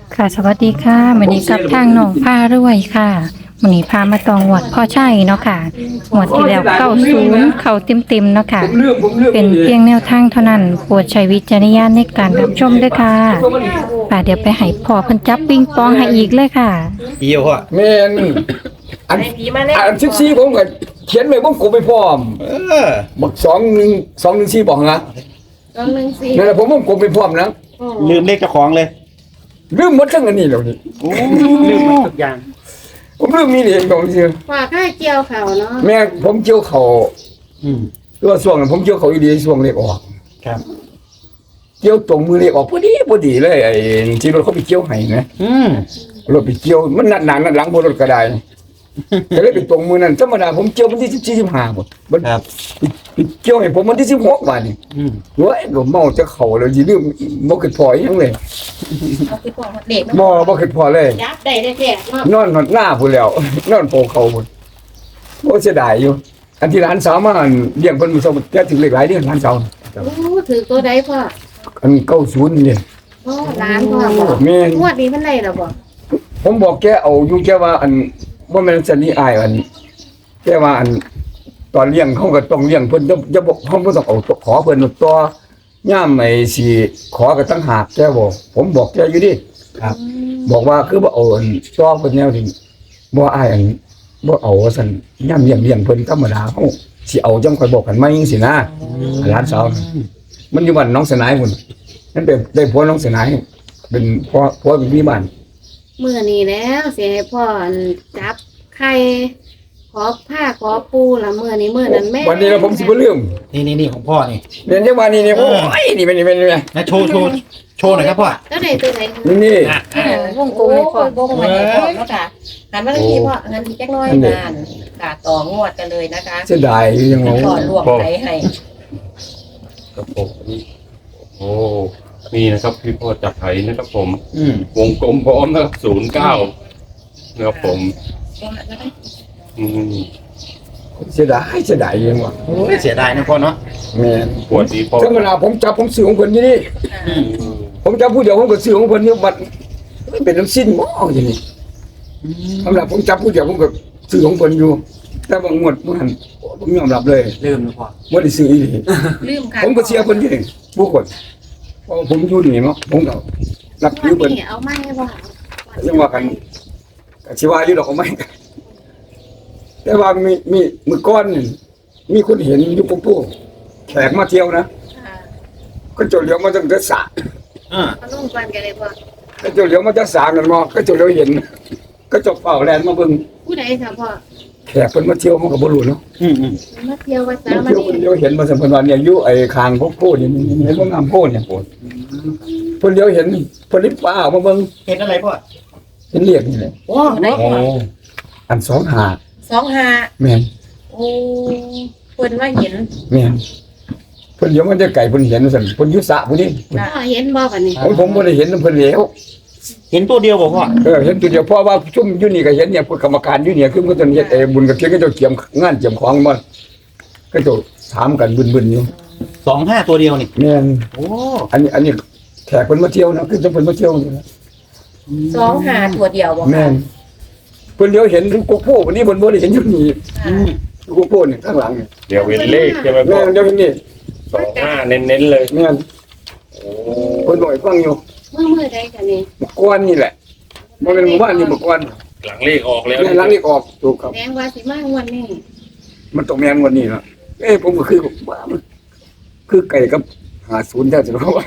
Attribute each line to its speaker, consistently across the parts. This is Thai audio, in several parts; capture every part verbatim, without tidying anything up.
Speaker 1: ค่ะสวัสดีค่ะวันนี้กับทางน้องพารวยค่ะวันนี้พามาตองหวดพ่อใช่เนาะค่ะหวดที่แล้วเก้าศูนย์เข่าเต็มๆเนาะค่ะเป็นเพียงแนวทางเท่านั้นโปรดใช้วิจารณญาณในการรับชมด้วยค่ะป่าเดี๋ยวไปให้พ่อเพิ่นจับปิงปองให้อีกเลยค่ะ
Speaker 2: เกี่ยวอ่ะ
Speaker 3: แม่นอันอันสิบสี่ผมก็เขียนไว้ผมก็ไปพร้อม
Speaker 2: เออ
Speaker 3: บักสองหนึ่งสองหนึ่งสี่บอกนะ
Speaker 4: สองหนึ่งสี่
Speaker 3: นั่นแหละผมผมก็ไปพร้อมนะ
Speaker 2: ลืมเลขเจ้าของเลย
Speaker 3: ลืมหมดทั้งอันนี้แล้วนี่
Speaker 2: โอ้ลืมหมดทุกอย่าง
Speaker 3: ผมลืมมีเหรียญของเสีย
Speaker 4: ฝากให้เกี่ยวเขาเนาะ
Speaker 3: แม่ผมเกี่ยวเขา
Speaker 2: อืม
Speaker 3: ตัวส่วงนั้นผมเกี่ยวเขาอีดีส่วงเล็กออก
Speaker 2: ครับ
Speaker 3: เกี่ยวตรงมือเล็กออกพอดีพอดีเลยไอ้ที่รถเขาไปเกี่ยวให้นะ
Speaker 2: อืม
Speaker 3: รถไปเกี่ยวมันหนักหนักหลังบนรถก็ได้ก็เลยไปตรงมือนั้นธรรมดาผมเกี่ยววันที่สิบสี่สิบห้าหมดมัน
Speaker 2: ครับ
Speaker 3: ไปเกี่ยวให้ผมวันที่สิบหกบาทนี่
Speaker 2: อืม
Speaker 3: เว้ยก็เมาจะเข่าเลยสิลืมบ่คิดพออีหยังเลย
Speaker 4: เอาไปปอกเด็ก
Speaker 3: บ่บ่คิดพอเลย
Speaker 4: ยับได้ได้แท้เนาะ
Speaker 3: นอนหดหน้าพุ่นแล้ว นอนโปะเขาพุ่นโอ้เสียดายอยู่ อันที่ร้านสาวมาเลี้ยงเพิ่นมื้อเช้าแกถึงเลขหลายเด้อร้านสาว
Speaker 4: โอ้ถือตัวใดพ่อ
Speaker 3: อันเก้าสิบนี่
Speaker 4: โอ้ร้านพ่อบอก
Speaker 3: แม่น
Speaker 4: งวดนี้มันได้หรอบ่
Speaker 3: ผมบอกแกเอาอยู่แกว่าอันบ่แม่นสันนี่อายอันแกว่าอันตอนเลี้ยงเขาก็ต้องเลี้ยงเพิ่นจะจะบอกเขาบ่ต้องเอาขอเพิ่นต่อย่ามไอ้สิขอก็ตั้งหากแกบอกผมบอกแกอยู่ดิ
Speaker 2: ครับ
Speaker 3: บอกว่าคือบ่เอาอันต่อเพิ่นแนวที่บ่อายอันบ่เอาว่าซั่นย่ามเลี้ยงเลี้ยงเพิ่นธรรมดาเฮาสิเอาจังค่อยบอกกันใหม่จังซี่นะหลานสาวมันอยู่บ้านน้องสนายพุ่นนั่นเป็นได้ผัวน้องสนายเป็นพ่อผัวเป็นพี่บ้าน
Speaker 4: มื้อนี้แล้วสิให้พ่อจับไข่ขอผ้าขอปูละมื้อนี้มื้อนั้นแม่
Speaker 3: วันนี้เราผมสิบ่ลืม
Speaker 2: นี่นี่นี่ของพ่อนี่
Speaker 3: เรียนจังว่านี่นี่โอ้ยนี่เป็นนี่เป็นนี่
Speaker 2: นะโชว์โชว์โชว์หน่อยครับพ่อ
Speaker 4: แล้วได้ตัวไหน
Speaker 3: นี่นี่
Speaker 2: อ่ะ
Speaker 4: เออวงกลมให้พ่อวงมาให้พ่อเนาะค่ะหันมาทางนี้พ่อหันทีจักหน้อยนานค่ะต่องวดกันเลยนะคะ
Speaker 3: เสียดายอยู่ยังงง
Speaker 4: พ่อลวกไข่ให้
Speaker 5: ครับผมโอ้นี่นะครับพี่พ่อจับไถนะครับผม
Speaker 2: อืม
Speaker 5: วงกลมพร้อมนะครับศูนย์เก้านะครับผมอืม
Speaker 3: เสียดายเสียดายยังว่า
Speaker 2: โอ้ยเสียดายนะพ่อเนาะ
Speaker 3: แม่น
Speaker 5: ปวดดีพ่อ
Speaker 3: ธรรมดาผมจับผมซื้อของเพิ่นอยู่นี่
Speaker 2: อืม
Speaker 3: ผมจับผู้เดียวผมก็ซื้อของเพิ่นอยู่บัดมันเป็นน้ำสิ้นหม้ออย่างนี้ธรรมดาผมจับผู้เดียวผมก็ซื้อของเพิ่นอยู่ แต่บางงวดมันผมยอมรับเลย
Speaker 2: ลืมนะพ่อ
Speaker 3: บ่ได้ซื้ออีหลี
Speaker 4: ลืมค่ะ
Speaker 3: ผมก็เสียเพิ่นอยู่นี่ผู้คนเพราะผมอยู่นี่เนาะผมก็รับถือเพิ่น
Speaker 4: นี่เอาไม้บ่
Speaker 3: จังว่ากันก็สิว่าอยู่ดอกเอาไหมแต่ว่ามีมีมื้อก่อนนี่มีคนเห็นอยู่ปุ๊บปุ๊บแขกมาเที่ยวนะ
Speaker 4: ค่ะ
Speaker 3: ก็เจ้าเหลียวมาตั้งแต่สระ
Speaker 2: อ่า
Speaker 4: เอาลงกันกันเลยพ่อ
Speaker 3: ก็เจ้าเหลียวมาตั้งสระนั่นมอก็เจ้าเหลียวเห็น ก็เจ้าเฝ้าแลนมาเบิ่ง
Speaker 4: ผู้ใดค่ะพ่อ
Speaker 3: แขกเพิ่นมาเที่ยวมันก็บ่รู้เนาะ
Speaker 2: อืมอืม
Speaker 4: มาเที่ยววัดสา
Speaker 3: มา
Speaker 4: มา
Speaker 3: เที่ยว
Speaker 4: นี่
Speaker 3: เพิ่นเดียวเห็นมาสัมพันธ์ว่าเนี่ยอยู่ไอ้คางพวกโพดนี่เห็นว่างามโพดเนี่ยโพดเพิ่นเดียวเห็นเพิ่นรีบป้าออกมาเบิ่ง
Speaker 2: เห็นอะไรพ่อ
Speaker 3: เห็นเรียกนี่แหละ
Speaker 4: โอ้ได้
Speaker 5: โอ้
Speaker 3: อันสองหา
Speaker 4: สองห้า
Speaker 3: แม่น
Speaker 4: โอ้เพิ่นว่าเห็น
Speaker 3: แม่นเพิ่นเดี๋ยวมันจะไก่เพิ่นเห็นว่าซั่นเพิ่นอยู่สระผู้นี้
Speaker 4: พ่อเห็นบ่บัดนี้
Speaker 3: ผมผมบ่ได้เห็นเพิ่นแล้ว
Speaker 2: เห็นตัวเดียวบ่พ่อ
Speaker 3: เออเห็นตัวเดียวเพราะว่าชุมอยู่นี่ก็เห็นเนี่ยพวกกรรมการอยู่เนี่ยคือมันต้องเฮ็ดไอ้บุญกับเกียรติก็เจ้าเกียมงานเกียมของมันก็เจ้าถามกันบึนๆอยู่
Speaker 2: สองห้าตัวเดียวนี่
Speaker 3: แม่น
Speaker 2: โอ้
Speaker 3: อันนี้อันนี้แขกเพิ่นมาเที่ยวนะคือจะเพิ่นมาเที่ยวนี่นะ
Speaker 4: สองห้าตัวเดียวบ่
Speaker 3: แม่นเพิ่นเดียวเห็นโกโก้วันนี้เพิ่นบ่ได้เห็นอยู่นี่
Speaker 2: อืม
Speaker 3: โกโก้นี่ข้างหลังนี่
Speaker 5: เดี๋ยวเว้นเลขใช่ไหมพ่
Speaker 3: แม่
Speaker 5: อน
Speaker 3: เดี๋ยวเห็นนี่
Speaker 5: สองห้าเน้นๆเลย
Speaker 3: แม่น
Speaker 5: โอ้
Speaker 3: เพิ่นบ่ให้ฟังอยู่
Speaker 4: เมื่อมื้อใดกันนี่
Speaker 3: เมื่อก่อนนี่แหละบ่แม่นหมู่บ้านนี่เมื่อก่อน
Speaker 5: หลังเลขออกแล้ว
Speaker 3: แม่นหลังนี้ออกถูกครับ
Speaker 4: แดงว่าสิมางวดนี้
Speaker 3: มันต้องแม่นกว่านี้ล่ะเอ้ผมก็คือว่ามันคือไก่กับห้าสิบแท้สิว่า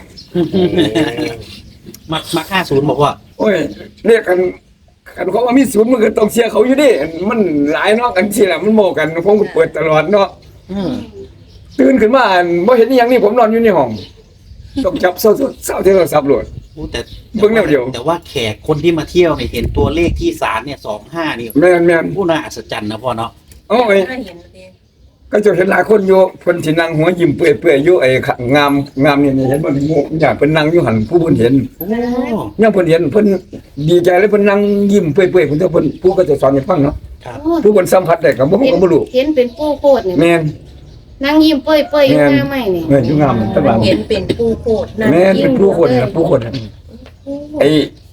Speaker 2: มามาห้าศูนย์บอกว่า
Speaker 3: โอ้ยเรียกกันกันเขาว่ามีศูนย์มันก็ต้องเชียร์เขาอยู่ดิมันหลายเนาะกันสิล่ะมันโมกันผมก็เปิดตลอดเนาะ
Speaker 2: อืม
Speaker 3: ตื่นขึ้นมาอั่นบ่เห็นอีหยังนี่ผมนอนอยู่ในห้องต้องจับเศร้าๆเศร้าที่เราสับโหลด
Speaker 2: โอ้แต่
Speaker 3: เบิ่งแนวเดียว
Speaker 2: แต่ว่าแขกคนที่มาเที่ยวเนี่ยเห็นตัวเลขที่ศาลเนี่ยสองห้านี่
Speaker 3: แม่นแม่น
Speaker 2: ผู้น่าอัศจรรย์นะพ่อเนาะ
Speaker 3: โอ้ย
Speaker 4: ถ้าเห็นเด้
Speaker 3: ก็จะเห็นหลายคนอยู่เพิ่นสินั่งหัวยิ้มเปื่อยๆอยู่ไอ้ข้างงามงามนี่นี่เห็นบ่มีหมู่ญาติเพิ่นนั่งอยู่หั่นผู้เพิ่นเห็น
Speaker 2: โอ้
Speaker 3: ยังเพิ่นเห็นเพิ่นดีใจเลยเพิ่นนั่งยิ้มเปื่อยๆเพิ่นเจ้าเพิ่นผู้ก็จะสอนให้ฟังเนาะ
Speaker 2: ครับ
Speaker 4: โอ้
Speaker 3: ผู้เพิ่นสัมผัสได้ก็บ่ฮู้ก็บ่รู้
Speaker 4: เห็นเป็นปูโคตรนี่
Speaker 3: แม่น
Speaker 4: นั่งยิ้มเปื่อยๆอยู่หน้าไม้นี่
Speaker 3: แม่นอยู่งามตั้งหลัง
Speaker 4: เห็นเป็นปูโคตรนั่ง
Speaker 3: แม่น
Speaker 4: ยิ้
Speaker 3: เป็น
Speaker 4: ม
Speaker 3: ผู้คน
Speaker 4: เลย
Speaker 3: นะผู้คนน่ะ
Speaker 4: โอ้
Speaker 3: ไอ้ไ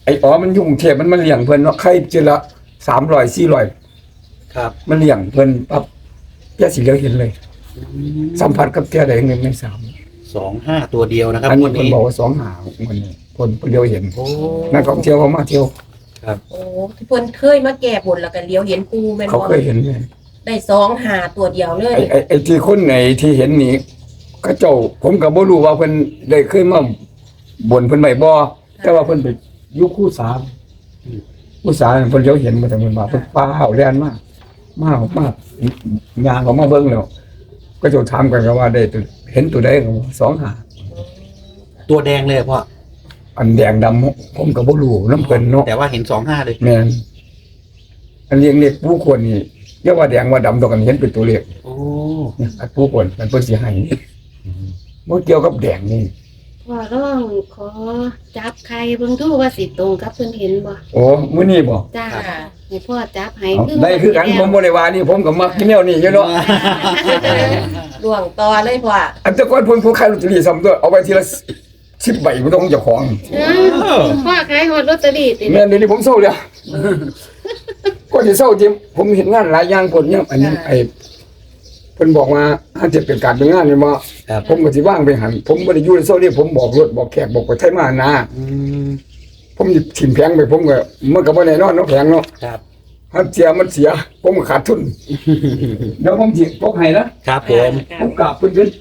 Speaker 3: อ้อ๋อมันยุ่งเทพมันมันเลี้ยงเพิ่นเนาะไข่เจอละสามร้อยสี่ร้อย
Speaker 2: ครับ
Speaker 3: มันเลี้ยงเพิ่นปั๊บแกสิเหลียวเห็นเลย สัมผัสกับแกได้หนึ่งในสาม
Speaker 2: สองห้าตัวเดียวนะครับ
Speaker 3: อันนี้
Speaker 2: วัน
Speaker 3: เพิ่น
Speaker 2: นี้
Speaker 3: บอกว่าสองหามันนี่เพิ่นเพิ่นเลี้ยวเห็น
Speaker 2: โอ้
Speaker 3: นักท่องเที่ยวเขามาเที่ยว
Speaker 6: โอ้เพิ่นเคยมาแก้บนแล้วก็เลี้ยวเห็นปูแม่น
Speaker 3: เขา
Speaker 6: บ่
Speaker 3: เคยเห็นเลย
Speaker 6: ได้สองหาตัวเดียวเลย
Speaker 3: ไอ้ไอ้ไอ้ที่คนไหนที่เห็นนี่เขาเจ้าผมก็บ่รู้ว่าเพิ่นได้เคยมาบ่นเพิ่นไว้บ่แต่ว่าเพิ่นไปอยู่คู่สามคู่สามเพิ่นเลี้ยวเห็นมาแต่เพิ่นว่าเพิ่นป้าเฮาแล่นมากมากมากยางเขามาเบิ่งแล้วก็จะถามกันว่าได้ตัวเห็นตัวใดก็บอกสองหา
Speaker 2: ตัวแดงเลยพ่อ
Speaker 3: อันแดงดำผมก็บ่รู้นำเพิ่นเนาะ
Speaker 2: แต่ว่าเห็นสองห้าเลย
Speaker 3: แม่นอันเลี้ยงเล็กผู้คนนี่เรียกว่าแดงว่าดำตัวกันเห็นเป็นตัวเลข
Speaker 2: โอ้
Speaker 3: เนี่ยอันผู้คนมันเพิ่นสิให้นี่บ่เกี่ยวกับแดงนี่
Speaker 4: พ่อร้องขอจับใครเบิ่งดูว่าสิตรงกับเพิ่นเห็นบ่
Speaker 3: โอ้มื้อนี้บ่
Speaker 4: จ้าให้พ่อจับให้
Speaker 3: เอาได้คือกันผมบ่ได้ว่านี่ผมก็มักกินแนวนี้อยู่เนาะ
Speaker 6: ล่วงต่อเลยพ่อ
Speaker 3: อันแต่ก่อนเพิ่นผู้ขายลอตเตอรี่ซ้ำตัวเอาไปทีละสิบใบบ่ต้องเจ้าของ
Speaker 4: เออพ่อขายฮอดลอตเตอรี่ติ
Speaker 3: แม่นเดี๋ยวนี้ผมเศร้าแล้วก็สิเศร้าจริงผมเห็นงานหลายอย่างคนเนี่ยอันนี้ไอ้เพิ่นบอกว่าถ้าจะเป็นการเป็นงานนี่บ่
Speaker 2: ครับ
Speaker 3: ผมก็สิว่างไปหันผมบ่ได้อยู่ในโซนนี้ผมบอกรถบอกแขกบอกไปไทยมานะ
Speaker 2: อืม
Speaker 3: ผมหยิบถิ่มแพงไปผมก็มันก็บ่แน่นอนเนาะแพงเนาะ
Speaker 2: ครับ
Speaker 3: ถ้าเสียมันเสีย ผมก็ขาดทุน เดี๋ยวผมสิพกให้นะครับ
Speaker 2: ผม
Speaker 3: ผมกราบเพิ่น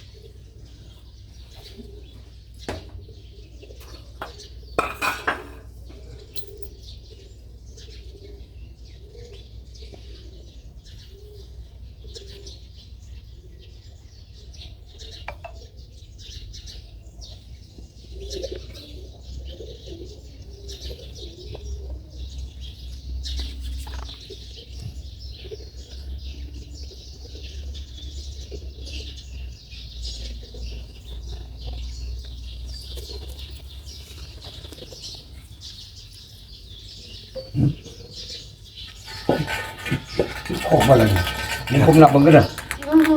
Speaker 3: ออกมาแล้วนี่ผมนับมันก็ได้
Speaker 4: โอ้โห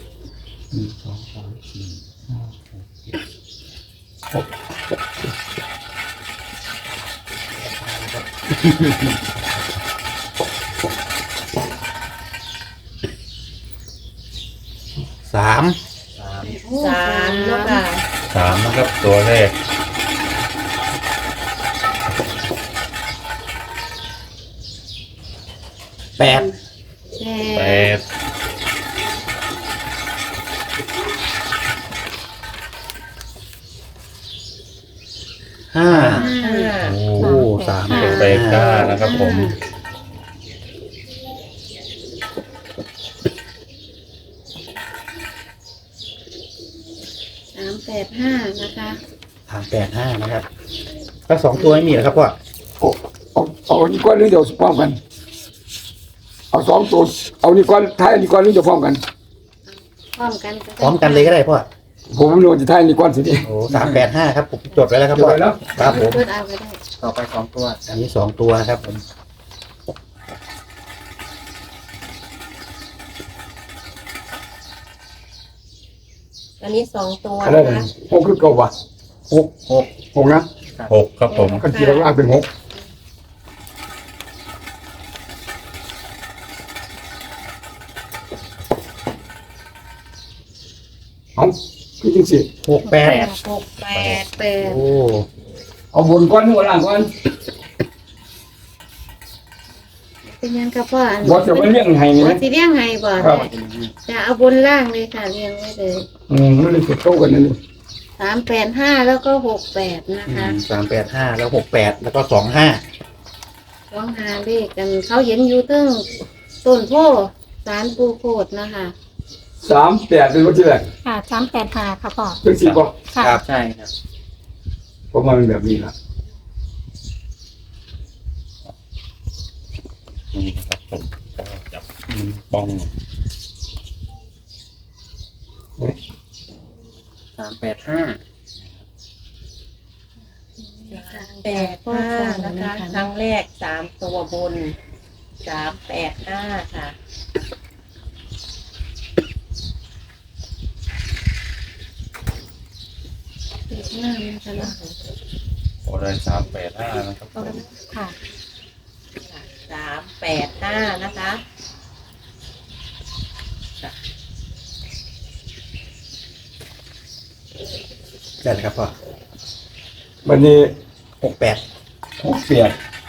Speaker 2: สาม
Speaker 6: สามเนาะค่ะ
Speaker 5: สามนะครับตัวแรก
Speaker 2: แปด
Speaker 4: แป
Speaker 5: แป
Speaker 4: ด
Speaker 5: ด
Speaker 2: ห้า
Speaker 4: ห้า
Speaker 5: โอ้
Speaker 2: โอ้สาม
Speaker 5: เป็นแปดก้านะครับผม
Speaker 4: สามแปดห้านะคะ
Speaker 2: สามแปดห้านะครับแล้วสองตัวไม่มีเหรอครับพ่อ
Speaker 3: เอาเอาเอาอันนี้ก่อนหรือเดี๋ยวพร้อมกัน เอาสองตัวเอานี่ก่อนท้ายอันนี้ก่อนหรือจะพร้อมกัน
Speaker 4: พร้อมกัน
Speaker 2: พร้อมกันเลยก็ได้พ่อ
Speaker 3: ผมไม่รู้ว่าจะท้ายอันนี้ก่อนสิดิ
Speaker 2: โอ้สามแปดห้าครับผมจดไว้แล้วครับ
Speaker 3: จด
Speaker 2: พ่อ
Speaker 3: ไว้แล้ว
Speaker 2: ครับผม
Speaker 4: เปิดเอาก็ได้
Speaker 2: ต่อไปสองตัว อันนี้สองตัวนะครับผม
Speaker 6: อันนี้สองตัว
Speaker 3: อะไร
Speaker 6: นะ
Speaker 3: นะคะ หกคือเก่าวะหกหกหกนะ
Speaker 5: หกครับผม
Speaker 3: กันกี่ล่างเป็นหกเอาคือจริงสิ
Speaker 2: หกแปด
Speaker 6: หกแปด
Speaker 4: แปด
Speaker 2: โอ้
Speaker 3: เอาบนก้อนหัวล่างก่อน
Speaker 4: เป็นยังกับพ่ออัน
Speaker 3: บอจะไปเลี้ยงให้นี่
Speaker 4: บ่
Speaker 3: นะ
Speaker 4: สิเลี้ยงให้บ่
Speaker 3: ครับ
Speaker 4: จะเอาบนล่างเลยค่ะเลี้ยงไว้เลย
Speaker 3: อืมมันเลยจะโตกันนั่นนี่
Speaker 4: สามแปดห้าแล้วก็หกแปดนะคะ
Speaker 2: สามแปดห้าแล้วหกแปดแล้วก็สองห้า
Speaker 4: ร้องหาเลขกันเขาเห็นอยู่ตึ้งต้นโพสารปูโคดนะคะ
Speaker 3: สามแปดเป็นวันที่แรก
Speaker 1: ค่ะสามแปดห้าค่ะพ่อ
Speaker 3: เป็นสี่ป่ะ
Speaker 1: ค่ะ
Speaker 2: ครับใช่ครับ
Speaker 3: ประมาณแบบนี้ละ
Speaker 5: นี่นะครับผมก็จับบ้อง
Speaker 2: สามแปดห้า
Speaker 6: แปดห้านะคะครั้งแรกสามตัวบนสามแปดห้าค่ะ
Speaker 4: เลขหน้านะคะเนาะ
Speaker 5: โอ้ได้สามแปดห้านะครับ
Speaker 1: ค่ะ
Speaker 6: สามแปดห้านะคะ
Speaker 2: ได้เลยครับพ่อ
Speaker 3: วันนี้
Speaker 2: หกแปด
Speaker 3: หกเปียก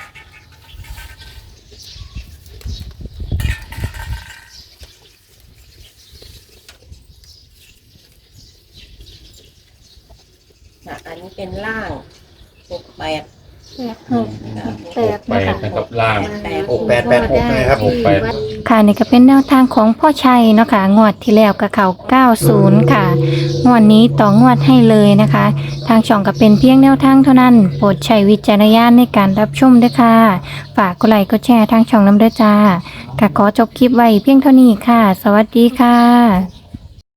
Speaker 6: ค่ะอันนี้เป็นล่างหกแปด
Speaker 1: แปดหกแปด
Speaker 5: แป
Speaker 1: นะ
Speaker 5: ด
Speaker 1: คะ
Speaker 5: นะครับล่าง
Speaker 2: หกแปดแปดหกนะครับ
Speaker 5: หกแปด
Speaker 1: ค่ะนี่ก็เป็นแนวทางของพ่อชัยเนาะค่ะงวดที่แล้วกับเขาเก้าสิบค่ะงวดนี้ต่องวดให้เลยนะคะ ทางช่องก็เป็นเพียงแนวทางเท่านั้น โปรดใช้วิจารณญาณในการรับชมด้วยค่ะ ฝากกดไลค์กดแชร์ทางช่องน้ำด้วยจ้าค่ะขอจบคลิปไว้เพียงเท่านี้ค่ะ สวัสดีค่ะ